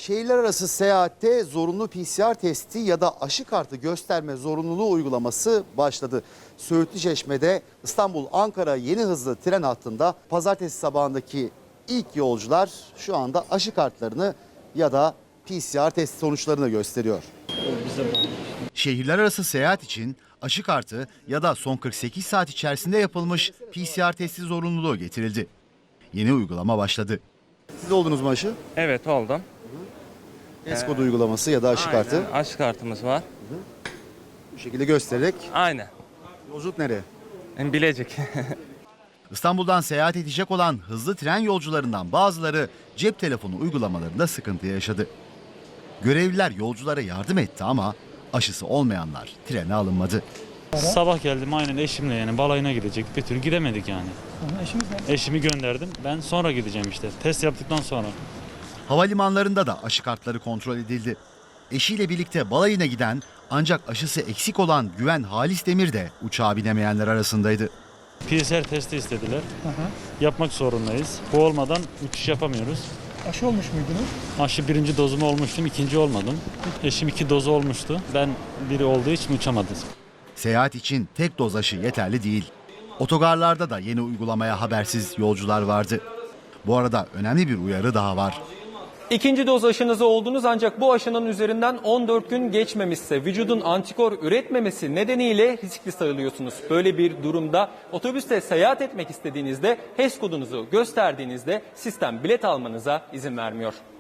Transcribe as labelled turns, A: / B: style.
A: Şehirler arası seyahatte zorunlu PCR testi ya da aşı kartı gösterme zorunluluğu uygulaması başladı. Söğütlü Çeşme'de İstanbul-Ankara yeni hızlı tren hattında pazartesi sabahındaki ilk yolcular şu anda aşı kartlarını ya da PCR test sonuçlarını gösteriyor. Şehirler arası seyahat için aşı kartı ya da son 48 saat içerisinde yapılmış PCR testi zorunluluğu getirildi. Yeni uygulama başladı. Siz oldunuz mu aşı?
B: Evet, oldum.
A: HES kodu uygulaması ya da aşı kartı.
B: Aynen, aşı kartımız var.
A: Bu şekilde göstererek.
B: Aynen.
A: Yolculuk nereye?
B: Bilecek.
A: İstanbul'dan seyahat edecek olan hızlı tren yolcularından bazıları cep telefonu uygulamalarında sıkıntı yaşadı. Görevliler yolculara yardım etti ama aşısı olmayanlar trene alınmadı.
C: Sabah geldim aynen eşimle, yani balayına gidecektik, bir türlü gidemedik yani. Eşimi gönderdim, ben sonra gideceğim işte, test yaptıktan sonra.
A: Havalimanlarında da aşı kartları kontrol edildi. Eşiyle birlikte balayına giden ancak aşısı eksik olan Güven Halis Demir de uçağa binemeyenler arasındaydı.
C: PCR testi istediler. Yapmak zorundayız. Bu olmadan uçuş yapamıyoruz.
D: Aşı olmuş muydunuz?
C: Aşı birinci dozumu olmuştum, ikinci olmadım. Eşim 2 dozu olmuştu. Ben biri olduğu için uçamadım.
A: Seyahat için tek doz aşı yeterli değil. Otogarlarda da yeni uygulamaya habersiz yolcular vardı. Bu arada önemli bir uyarı daha var.
E: İkinci doz aşınızı oldunuz ancak bu aşının üzerinden 14 gün geçmemişse vücudun antikor üretmemesi nedeniyle riskli sayılıyorsunuz. Böyle bir durumda otobüste seyahat etmek istediğinizde HES kodunuzu gösterdiğinizde sistem bilet almanıza izin vermiyor.